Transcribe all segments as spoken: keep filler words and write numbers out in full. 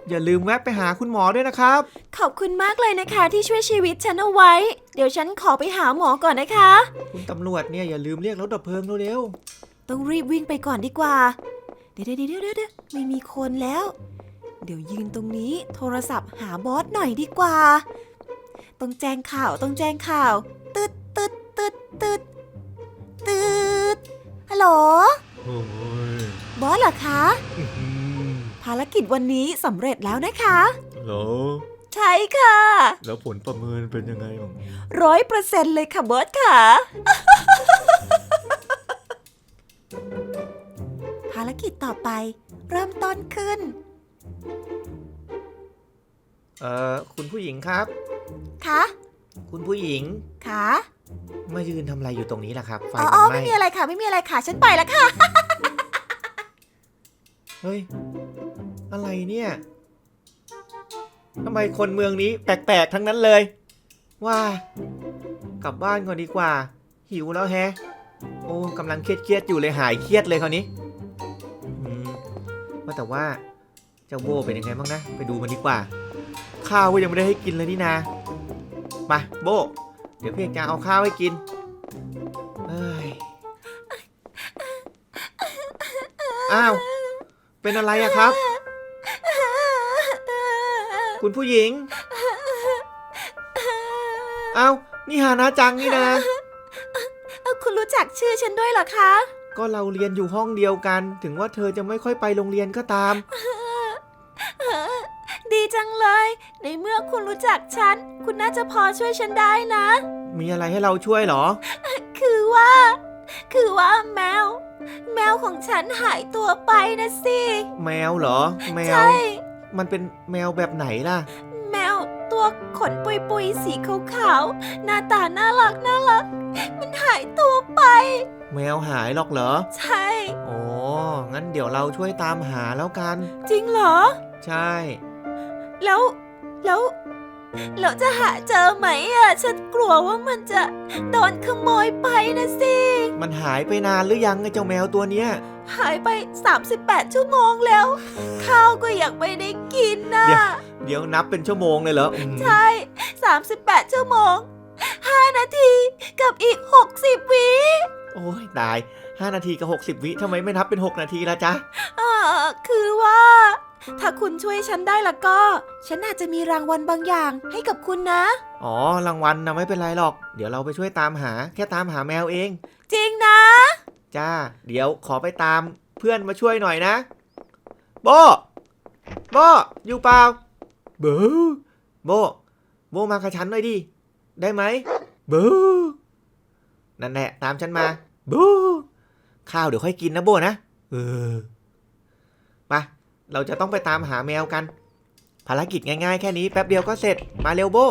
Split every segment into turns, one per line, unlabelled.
อย่าลืมแวะไปหาคุณหมอด้วยนะครับ
ขอบคุณมากเลยนะคะที่ช่วยชีวิตฉันเอาไว้เดี๋ยวฉันขอไปหาหมอก่อนนะคะ
คุณตำรวจเนี่ยอย่าลืมเรียกรถดับเพลิงเร็ว
ๆต้องรีบวิ่งไปก่อนดีกว่าเดี๋ยวเดี๋ยวเดี๋ยวเดี๋ยวไม่มีคนแล้วเดี๋ยวยืนตรงนี้โทรศัพท์หาบอสหน่อยดีกว่าต้องแจ้งข่าวต้องแจ้งข่าวตึ๊ดตึ๊ดตึ๊ดตึ๊ดตึ๊ดฮัลโหลบอสเหรอคะภารกิจวันนี้สำเร็จแล้วนะคะ
เหรอ
ใช่ค่ะ
แล้วผลประเมินเป็นยังไงบ้าง
ร้อยเปอร์เซ็นต์เลยค่ะบอสค่ะ ภารกิจต่อไปเริ่มต้นขึ้น
เอ่อคุณผู้หญิงครับ
คะ
คุณผู้หญิง
คะ
มายืนทำอะไรอยู่ตรงนี้ล่ะครับไฟ
มัน
ไหม้
ไม่มีอะไรค่ะไม่มีอะไรค่ะฉันไปแล้วค่ะ
เฮ้ยอะไรเนี่ยทำไมคนเมืองนี้แปลกๆทั้งนั้นเลยว่ากลับบ้านก่อนดีกว่าหิวแล้วแฮะโอ้กำลังเครียดๆอยู่เลยหายเครียดเลยคราวนี้อืมว่าแต่ว่าเจ้าโบเป็นยังไงบ้างนะไปดูมันดีกว่าข้าวก็ยังไม่ได้ให้กินเลยนี่นามาโบเดี๋ยวพี่เอกจะเอาข้าวให้กินเอ้ยอ้าวเป็นอะไรอะครับคุณผู้หญิงอ้าวนี่ฮานะจังนี่นะ
คุณรู้จักชื่อฉันด้วยเหรอคะ
ก็เราเรียนอยู่ห้องเดียวกันถึงว่าเธอจะไม่ค่อยไปโรงเรียนก็ตาม
ดีจังเลยในเมื่อคุณรู้จักฉันคุณน่าจะพอช่วยฉันได้นะ
มีอะไรให้เราช่วยเหรอ
คือว่าคือว่าแมวแมวของฉันหายตัวไปนะสิ
แมวเหรอแมว
ใช่
มันเป็นแมวแบบไหนล่ะ
แมวตัวขนปุยปุยสีขาวๆหน้าตาน่ารักน่ารักมันหายตัวไป
แมวหายหรอกเหรอ
ใช่
โอ้งั้นเดี๋ยวเราช่วยตามหาแล้วกัน
จริงเหรอ
ใช่
แล้วแล้วเราจะหาเจอไหมอ่ะฉันกลัวว่ามันจะโดนขโมยไปนะสิ
มันหายไปนานหรือยังไอ้เจ้าแมวตัวเนี้ย
หายไปสามสิบแปดชั่วโมงแล้วข้าวก็ยังไม่ได้กินนะ
เดี๋ยวนับเป็นชั่วโมงเลยเหรอ
ใช่สามสิบแปดชั่วโมงห้านาทีกับอีกหกสิบวิ
โอ้ยตายห้านาทีกับหกสิบวิทำไมไม่นับเป็นหกนาทีล่ะจ๊ะ
อ่าคือว่าถ้าคุณช่วยฉันได้ละก็ฉันอาจจะมีรางวัลบางอย่างให้กับคุณนะ
อ๋อรางวัลนะไม่เป็นไรหรอกเดี๋ยวเราไปช่วยตามหาแค่ตามหาแมวเอง
จริงนะ
จ้าเดี๋ยวขอไปตามเพื่อนมาช่วยหน่อยนะโบโบอยู่เปล่าเบอโบโบมากับฉันหน่อยดิได้ไหมเบอนั่นแหละตามฉันมาบูข้าวเดี๋ยวค่อยกินนะโบนะเออไปเราจะต้องไปตามหาแมวกันภารกิจง่ายๆแค่นี้แป๊บเดียวก็เสร็จมาเร็วโบ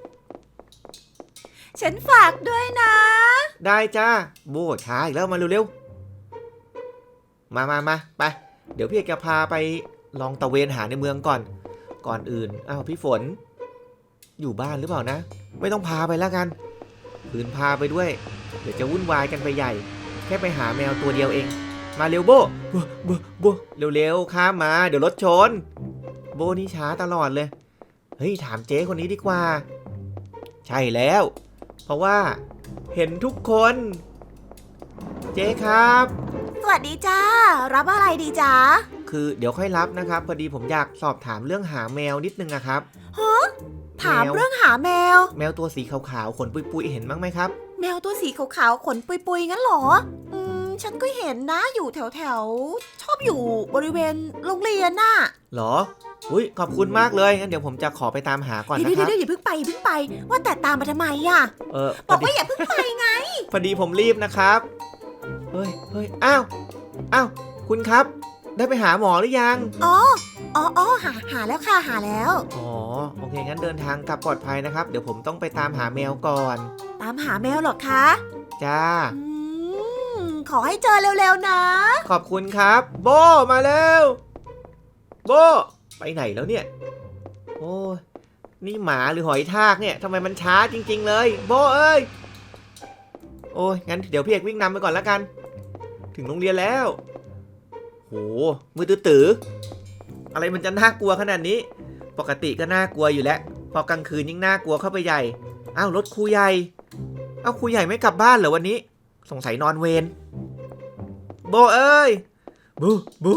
ฉันฝากด้วยนะ
ได้จ้าโบช้าอีกแล้วมาเร็วๆมามามาไปเดี๋ยวพี่เอกจะพาไปลองตะเวนหาในเมืองก่อนก่อนอื่นอ้าวพี่ฝนอยู่บ้านหรือเปล่านะไม่ต้องพาไปแล้วกันคืนพาไปด้วยเดี๋ยวจะวุ่นวายกันไปใหญ่แค่ไปหาแมวตัวเดียวเองมาเร็วโบโบโบโบเร็วๆข้ามมาเดี๋ยวรถชนโบนี่ช้าตลอดเลยเฮ้ยถามเจ๊คนนี้ดีกว่าใช่แล้วเพราะว่าเห็นทุกคนเจ๊ครับ
สวัสดีจ้ารับอะไรดีจ้า
คือเดี๋ยวค่อยรับนะครับพอดีผมอยากสอบถามเรื่องหาแมวนิดนึงนะครับ
ฮะถามเรื่องหาแมว
แมวตัวสีขาวๆขนปุยๆเห็นบ้างไหมครับ
แมวตัวสีขาวๆขนปุยๆงั้นเหรออืมฉันก็เห็นนะอยู่แถวๆชอบอยู่บริเวณโรงเรียนน่ะ
หรออุ้ยขอบคุณมากเลยงั้นเดี๋ยวผมจะขอไปตามหาก่อนนะครับ
เดี๋ยวๆอย่าเพิ่งไปอย่าเพิ่งไปว่าแต่ตามมาทำไมอ่ะ
เออ
บอกว่าอย่าเพิ่งไปไง
พอดีผมรีบนะครับเฮ้ยเฮ้ยอ้าวอ้าวคุณครับได้ไปหาหมอหรือยัง
อ๋ออ๋ออ๋อหาหาแล้วค่ะหาแล้ว
อ๋อโอเคงั้นเดินทางกลับปลอดภัยนะครับเดี๋ยวผมต้องไปตามหาแมวก่อน
ตามหาแมวหรอคะ
จ้า
อืมขอให้เจอเร็วๆนะ
ขอบคุณครับโบมาเร็วโบไปไหนแล้วเนี่ยโอ้นี่หมาหรือหอยทากเนี่ยทำไมมันช้าจริงๆเลยโบเอ้ยโอ้ยงั้นเดี๋ยวพี่เอกวิ่งนำไปก่อนแล้วกันถึงโรงเรียนแล้วโหมือตื้ออะไรมันจะน่ากลัวขนาดนี้ปกติก็น่ากลัวอยู่แล้วพอกลางคืนยิ่งน่ากลัวเข้าไปใหญ่อ้าวรถครูใหญ่อ้าวครูใหญ่ไม่กลับบ้านเหรอวันนี้สงสัยนอนเวรโบเอ้ยบูบู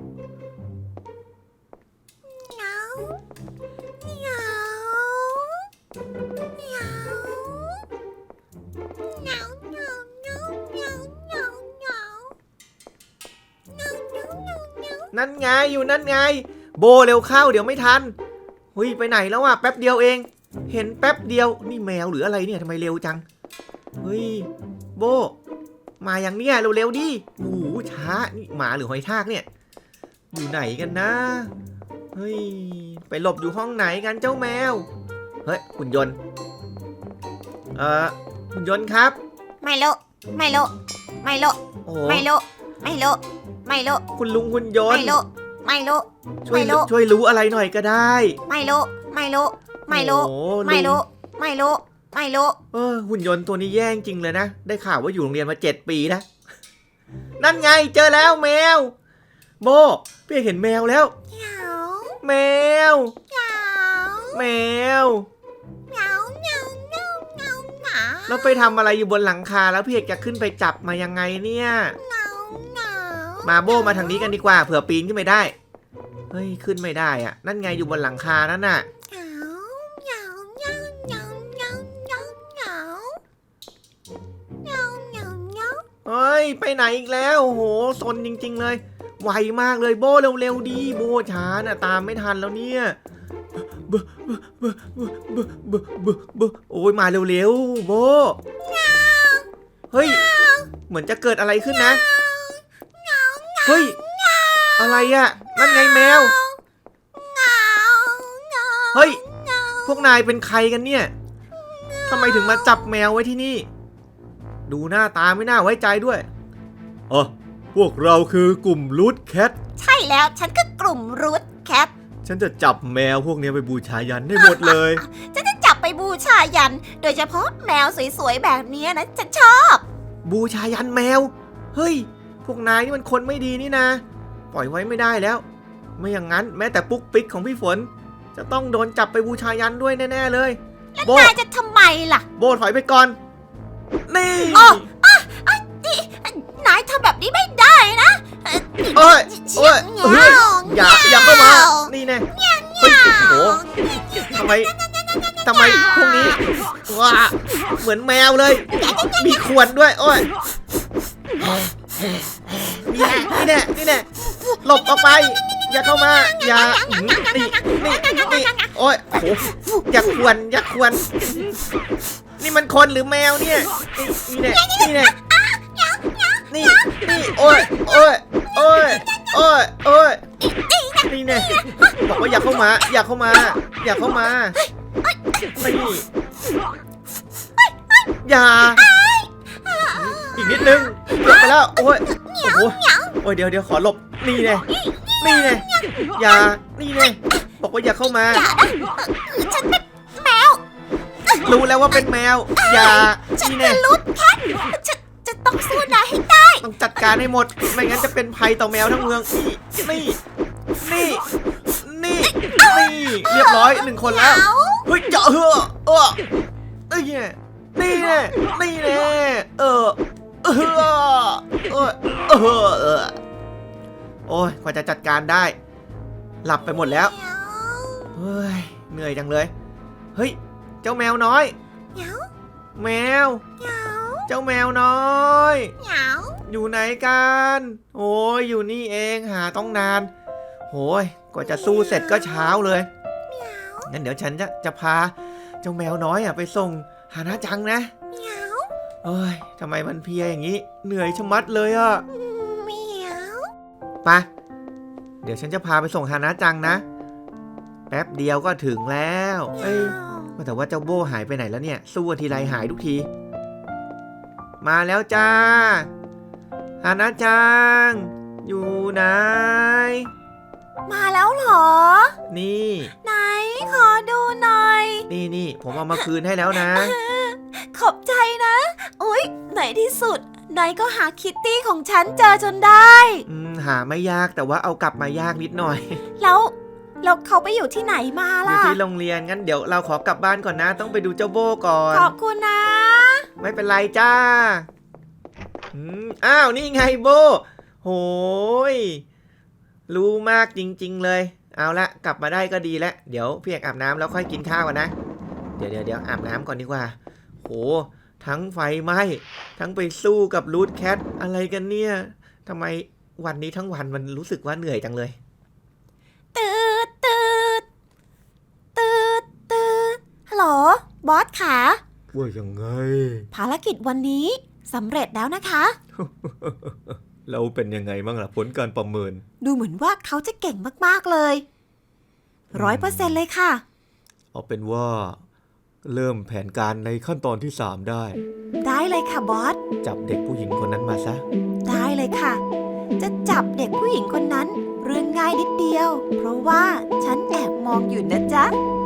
นั่นไงอยู่นั่นไงโบเร็วเข้าเดี๋ยวไม่ทันเฮ้ยไปไหนแล้วอ่ะแป๊บเดียวเองเห็นแป๊บเดียวนี่แมวหรืออะไรเนี่ยทำไมเร็วจังเฮ้ยโบมาอย่างเนี้ยเร็วๆดิโอ้โหช้านี่หมาหรือหอยทากเนี่ยอยู่ไหนกันนะเฮ้ยไปหลบอยู่ห้องไหนกันเจ้าแมวเฮ้ยหุ่นยนต์เอ่อหุ่นยนต์ครับ
ไม่รู้ไม่รู้ไม่รู้
โอ้
ไม่รู้ไม่รู้ไม่รู้
คุณลุงหุ่นยน
ไม่
ต์
รู้ไม่รู้
ช่วย
ไม่รู้
ช่วยรู้อะไรหน่อยก็ได้
ไม่รู้ไม่รู้ไม่รู้
โอ้
ไม่
ลุง
รู้ไม่รู้ไม่รู้
เออหุ่นยนต์ตัวนี้แย่จริงเลยนะได้ข่าวว่าอยู่โรงเรียนมาเจ็ดปีนะนั่นไงเจอแล้วแมวโบพี่เห็นแมวแล้ว
เหงา
แมว
เหงา
แมว
เหงาเหงาเหงาเหงาเหงา
แล้วไปทำอะไรอยู่บนหลังคาแล้วพี่เอกจะขึ้นไปจับมายังไงเนี่ย
เหงาเหงา
มาโบมาทางนี้กันดีกว่าเผื่อปีนขึ้นไปได้เฮ้ยขึ้นไม่ได้อะนั่นไงอยู่บนหลังคานั่นน่ะ
เหงาเหงาเหงาเหงาเหงาเหงาเหงาเหงาเหงาเหงา
เฮ้ยไปไหนอีกแล้วโอ้โหซนจริงๆเลยไวมากเลยโบเร็วๆดีโบช้าน่ะตามไม่ทันแล้วเนี่ยเบอเบอเบอเบอเบอเบอเบอเบอโอ้ยมาเร็วๆโบเฮ้ยเหมือนจะเกิดอะไรขึ้นนะเฮ้ยอะไรอะนั่นไงแมวเฮ้ยพวกนายเป็นใครกันเนี่ยทำไมถึงมาจับแมวไว้ที่นี่ดูหน้าตาไม่น่าไว้ใจด้วยอ๋อพวกเราคือกลุ่มรูทแคท
ใช่แล้วฉันก็กลุ่มรูทแคท
ฉันจะจับแมวพวกนี้ไปบูชายันให้หมดเลย
ฉันจะจับไปบูชายัน โดยเฉพาะแมวสวยๆแบบนี้นะฉันชอบ
บูชายันแมวเฮ้ยพวกนายนี่มันคนไม่ดีนี่นะปล่อยไว้ไม่ได้แล้วไม่อย่างนั้นแม้แต่ปุ๊กปิ๊กของพี่ฝนจะต้องโดนจับไปบูชายันด้วยแน่ๆเลย
แล้ว
โบ
นายจะทำไมล่ะ
โบถอยไปก่อนนี่
อ๋อ นี่นายทำแบบนี้ไม่ได้นะ
เอ้ย
เชี่
เอ้
ย
ย
เห
เฮ้ย
งา
อย่าอย่าเข้ามานี่แน่เฮ้ยโอ้โหทำไมทำไมพวกนี้ว้าเหมือนแมวเลย มีขวดด้วยโอ้ยนี่นี่แน่นี่แน่หลบออกไป อย่าเข้ามา อย่านี่นี่นี่โอ้ยโอ้โหอย่าขวนอย่าขวนนี่มันคนหรือแมวเนี่ยนี่แน่นี่แน่นี่นี่โอ้ยโอ้ยโอ้ยโอ้ยโอ้ยนี่แน่บอกว่าอย่าเข้ามา อย่าเข้ามา อย่าเข้ามานี่อย่าอีกนิดนึงเกือบไปแล้วโอ้ยโอ้โหโอ้ยเดี๋ยวเดี๋ยวขอหลบนี่ไงนี่ไงอย่านี่ไงบอกว่าอย่าเข้ามา
ฉันเป็นแมว
รู้แล้วว่าเป็นแมวอย่า
ฉัน
นี่
เป็
ไง
นรูทแคทฉันจะต้องสู้นายให้ได้
ต้องจัดการให้หมดไม่งั้นจะเป็นภัยต่อแมวทั้งเมืองนี่นี่นี่นี่นี่เรียบร้อยหนึ่งคนแล้วเฮ้ยเจาะเฮ้อเออนี่ไงนี่แน่นี่แน่เออเออเออเออเออโอ้ยกว่าจะจัดการได้ หลับไปหมดแล้วเฮ้ยเหนื่อยจังเลยเฮ้ยเจ้าแมวน้อย
เหงา
แมว
เหงา
เจ้าแมวน้อย
เหงา
อยู่ไหนกันโอ้ยอยู่นี่เองหาต้องนานโอ้ยกว่าจะสู้เสร็จก็เช้าเลยงั้นเดี๋ยวฉันจะจะพาเจ้าแมวน้อยอะไปส่งฮานะจังนะ
เหงา
เอ้ยทำไมมันเพลียอย่างนี้เหนื่อยชะมัดเลยอะ
เหมียว
ไปเดี๋ยวฉันจะพาไปส่งฮานะจังนะแป๊บเดียวก็ถึงแล้วเอ้ยแต่ว่าเจ้าโบ้หายไปไหนแล้วเนี่ยสู้ทีไรหายทุกทีมาแล้วจ้าฮานะจังอยู่ไหน
มาแล้วเหรอ
นี่
ไหนขอดูหน่อย
นี่นี่ผมเอามาคืนให้แล้วนะ
ขอบใจนะอุ๊ยไหนที่สุดนายก็หาคิตตี้ของฉันเจอจนได้
อืมหาไม่ยากแต่ว่าเอากลับมายากนิดหน่อย
แล้วแล้วเขาไปอยู่ที่ไหนมา
อยู่
ล่ะ
ที่โรงเรียนงั้นเดี๋ยวเราขอกลับบ้านก่อนนะ ต้องไปดูเจ้าโบ้ก่อน
ขอบคุณนะ
ไม่เป็นไรจ้าอืมอ้าวนี่ไงโบโหยรู้มากจริงๆเลย เอาละกลับมาได้ก็ดีแล้วเดี๋ยวพี่เอกอาบน้ำแล้วค่อยกินข้าวกันนะ เดี๋ยวเดี๋ยวเดี๋ยวอาบน้ำก่อนดีกว่าโหทั้งไฟไหม้ทั้งไปสู้กับรูทแคทอะไรกันเนี่ยทำไมวันนี้ทั้งวันมันรู้สึกว่าเหนื่อยจังเลย
ตืดตืดตืดตืดฮัลโหลบอสขา
ว่ายังไง
ภารกิจวันนี้สำเร็จแล้วนะคะ
เราเป็นยังไงบ้างล่ะผลการประเมิน
ดูเหมือนว่าเขาจะเก่งมากๆเลยร้อยเปอร์เซ็นต์เลยค่ะ
เอาเป็นว่า เริ่มแผนการในขั้นตอนที่สามได้
ได้เลยค่ะบอส
จับเด็กผู้หญิงคนนั้นมาซะ
ได้เลยค่ะ จะจับเด็กผู้หญิงคนนั้นเรื่องง่ายนิดเดียว เพราะว่าฉันแอบมองอยู่นะจ๊ะ